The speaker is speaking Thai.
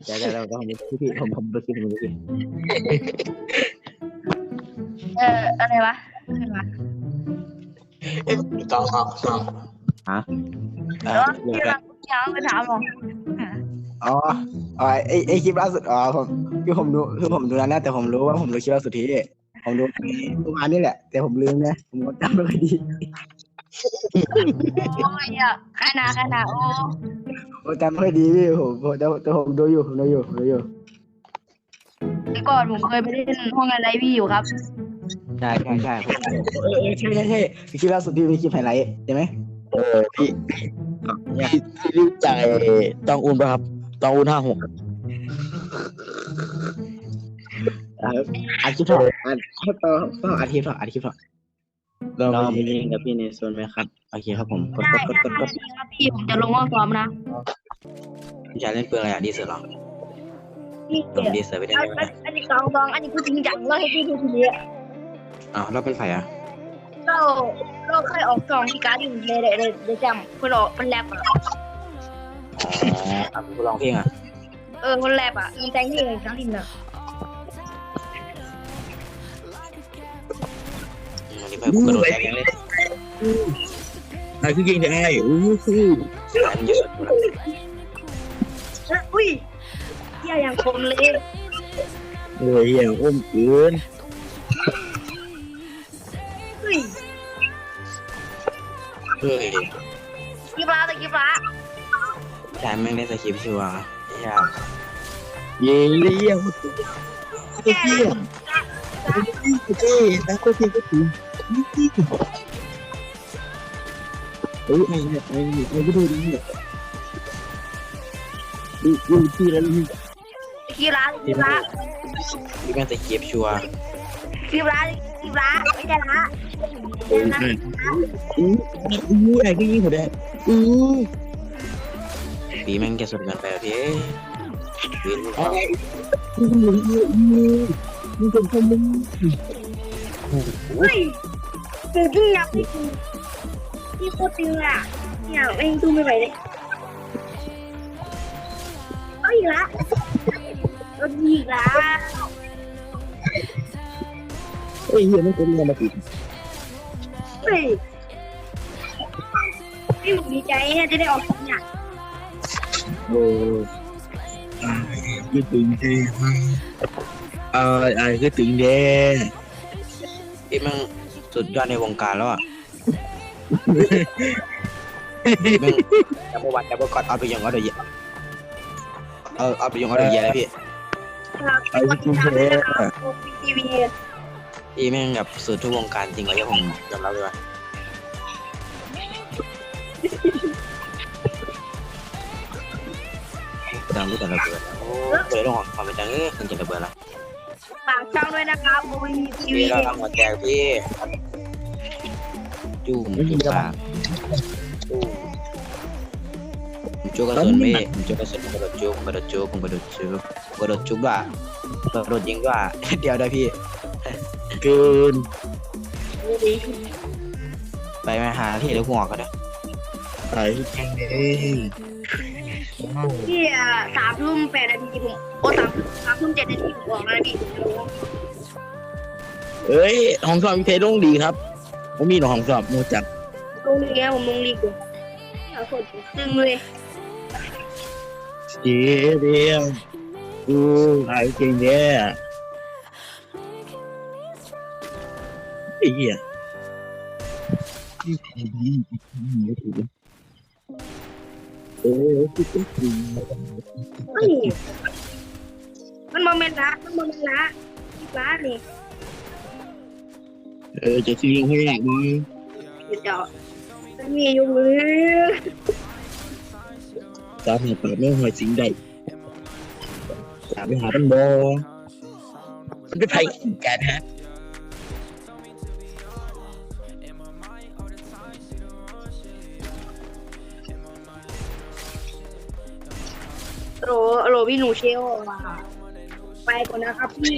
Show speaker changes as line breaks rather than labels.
เราต้องนี้พี่ผมดูคลิปผมดูคลิป
อะไรวะ
ต้องครับ
ฮะ
แล้วที่เรายังไปถามหรอ
อ๋อไอคลิปล่าสุดผมผมดูแล้วนะแต่ผมรู้ว่าผมดูคลิปล่าสุดที่ผมดูเมื่อวานนี่แหละแต่ผมลืมนะผมจำไม่ค่อยดี
โอ้ยอ่ะขนาดโอ้
ผมจำไม่ค่อยดีพี่ผมแต่ผมดูอยู่ผมดูอยู่
แต่ก่อนผมเคยไปเล่นห้องอะไรพี่อยู่ครับ
ใช่ใช่ใช่คลิปล่าสุดที่มีคลิปไฮไลท์ใช่ไหม
พี่รู้จักต้องอุ่นป่ะครับต้องอุ่น56
อาชีพต้องอาชีพเรามีเองกับพี่ในโซนไหมครับโอเคครับผมกด
ครับพี่ผมจะลงห้องซ้อมนะ
พี่ชายเล่นปืนอะไรดีเสือหรอ
พี่
ลงดีเสือไปได้ไหม
อันนี้กองอันนี้คือจริงจังเลยให้พี่ดูทีนี้
อ้าวเราเป็นไฟอ่ะ
เราเคยออกซองที่การ์ดอยู่เลยจำคนออกมันแรปอ่ะ
อ๋อคุณลองเพลงอ่ะ
มันแรปอ่ะมันแต่งเพลงทั้งดินอ่ะ
วันนี้ไปกระโดดแรงเลย
อะไรคือยิงได้อู้หู
มันเยอะ
อุ้ยเที่ยอย่างคมเลย
อย่างอ้มเกิน
เฮ้ย
เฮ้ย
กีฬาแต่กีฬา
ชายแม่งได้สคริปต์ชัวร์ยาก
ยิงเลี้ยงเลี้ยงเจ๊นักก็ทีก็ถึงไอ้ก็ดูดิดูที่แล้ว
กีฬา
ที่แม่งสคริปต์ชัวร์
ไม่ได้ละ
ไอ้ก็ยิงหัวแดง
ปีแม่งจะสุดกันไปพี่วิน
มึงเป็นคนมึง
เฮ้ยคือพี่ยับพี่โคตรตึงอ่ะเนี่ยเองดูไม่ไหวเลยเอาอีกละเอาอีกละ
ไอ้เหี้ยไม่เป็นไรมาติด
เฮ้ยพี่ผมดีใจเนี่ยจะได้ออกเนี่ย
โอ้ยตึงเด้ไอ้ก็ตึงเด้
พี่แม่งสุดยอดในวงการแล้วอ่ะแม่งดับเบิลวันดับเบิลกอดเอาไปยังออเดอร์เยอะเอาไปยังออเดอร์เยอะเลยพี่
ไอ้ก็ตึงเด้
ทีวี
พี่แม่งแบบสุดทุกวงการจริงเลยผมยอมรับเลยว่าดังรู้แต่ระเบิดโอ้เลยต้องของความเป็นจังคนจะระเบิดละ
ฝากช่องด้วยนะครับบูวีที
พี่
วี
เราทำหัวแจกพี่จุ่มจุ่มปากจุ่มกระสุนพี่จุ่มกระสุนกระโดดจุ่มว่ะกระโดดยิงว่ะเดียวได้พี่
เกิน
ไปมาหาที่เดี๋ยวหัวก็ได้
ไอ้แข่งเด้
พี่3:08 นาทีผม3:07 นาทีผมออกแล้วพี่
เอ้ยห้องสอบวิเทลงดีครับผมมีหนห้องสอบนอกจาก
ลงลีกผมลงลีกอยู่เอาคนตึงเลย
เจ๊เดียวไอ้เก่งเด้ไอ้เหี้ยคือเป็นจริง
เฮ้ยมันโมเมนต์ละนี่
จะซื้อให้แหลกมั้ย
เดี๋ยวมันมีอยู่มือ
ตามหาปากไม่หอยสิงใดตามไปหาเป็นบอมันเป็นไพ่กันฮะ
โรพี่หนูเชลว่ะไปก่อนนะครับพี่